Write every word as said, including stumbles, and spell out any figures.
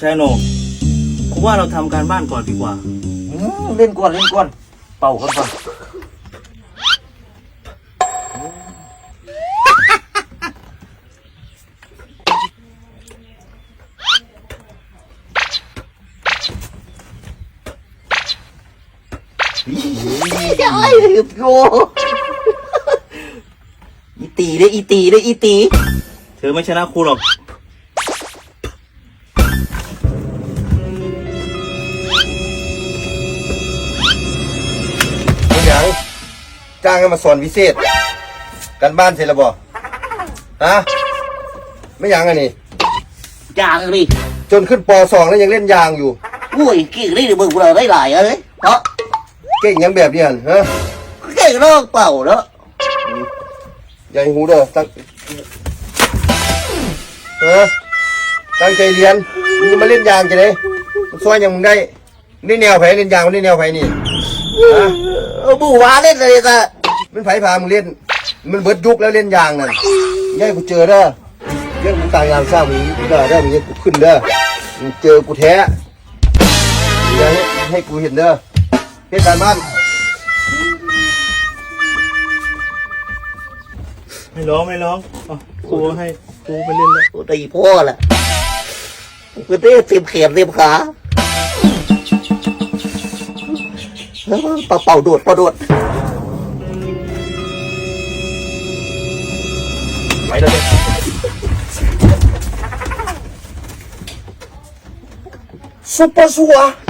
ชายโหนงผมว่าเราทำการบ้านก่อนดีกว่าเล่นก่อนเล่นก่อนเป่าก่อนก่อนไอ้โยอีตีเลยอีตีเลยอีตีเธอไม่ชนะครูหรอกเป็นอย่างจ้างให้มาสอนวิเศษกันบ้านเสร็จแล้วบ่ฮะไม่ยังอันนี้ยางดิจนขึ้นปสองแล้วยังเล่นยางอยู่อุ้ยเก่งได้หรือมึงเราได้หลายเอ้ยเพราะเก่งยังแบบนี้ฮะเก่งเลิกเป่าแล้วอย่าให้หูเด้อตั้งฮะตั้งใจเรียนมึงมาเล่นยางจะได้มันซอยยังมึงได้นี่แนวไผเล่นยางมันนี่แนวไผนี่ฮะบูวาเล่นเลยจ้ะมันไผพามึงเล่นมันเบิดยุคแล้วเล่นยางนั่นย่ากูเจอเด้อเรื่องกูตายงานสร้างมึงเด้อเด้อมึงให้กูขึ้นเด้อมึงเจอกูแท้อย่าให้ให้กูเห็นเด้อเฮ็ดการบ้านไม่ร้องไม่ร้องครูให้ครูไปเล่นแล้วตีพ่อแหละกูเต้เต็มแขนเต็มขาเป่าเป่าโดดเป่าโดดไปเลยซุปเปอร์ซัว